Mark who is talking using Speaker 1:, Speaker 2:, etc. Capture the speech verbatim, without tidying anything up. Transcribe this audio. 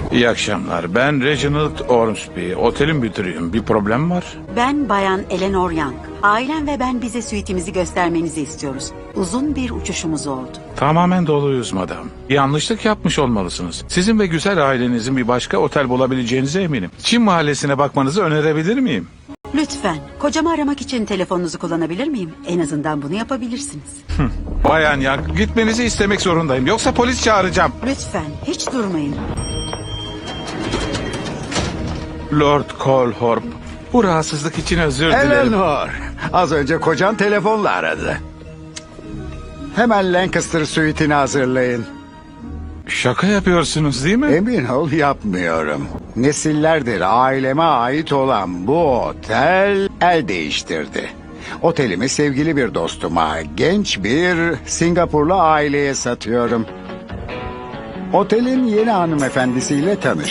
Speaker 1: İyi akşamlar. Ben Reginald Ormsby. Otelin müdürüyüm. Bir problem var?
Speaker 2: Ben Bayan Eleanor Young. Ailem ve ben bize suitimizi göstermenizi istiyoruz. Uzun bir uçuşumuz oldu.
Speaker 1: Tamamen doluyuz madam. Yanlışlık yapmış olmalısınız. Sizin ve güzel ailenizin bir başka otel bulabileceğinize eminim. Çin mahallesine bakmanızı önerebilir miyim?
Speaker 2: Lütfen kocamı aramak için telefonunuzu kullanabilir miyim? En azından bunu yapabilirsiniz.
Speaker 1: Bayan Young, gitmenizi istemek zorundayım. Yoksa polis çağıracağım.
Speaker 2: Lütfen hiç durmayın.
Speaker 1: Lord Colhorp, bu rahatsızlık için özür dilerim.
Speaker 3: Eleanor, az önce kocan telefonla aradı. Hemen Lancaster suite'ini hazırlayın.
Speaker 1: Şaka yapıyorsunuz değil mi?
Speaker 3: Emin ol yapmıyorum. Nesillerdir aileme ait olan bu otel el değiştirdi. Otelimi sevgili bir dostuma, genç bir Singapurlu aileye satıyorum. Otelin yeni hanımefendisiyle tanış.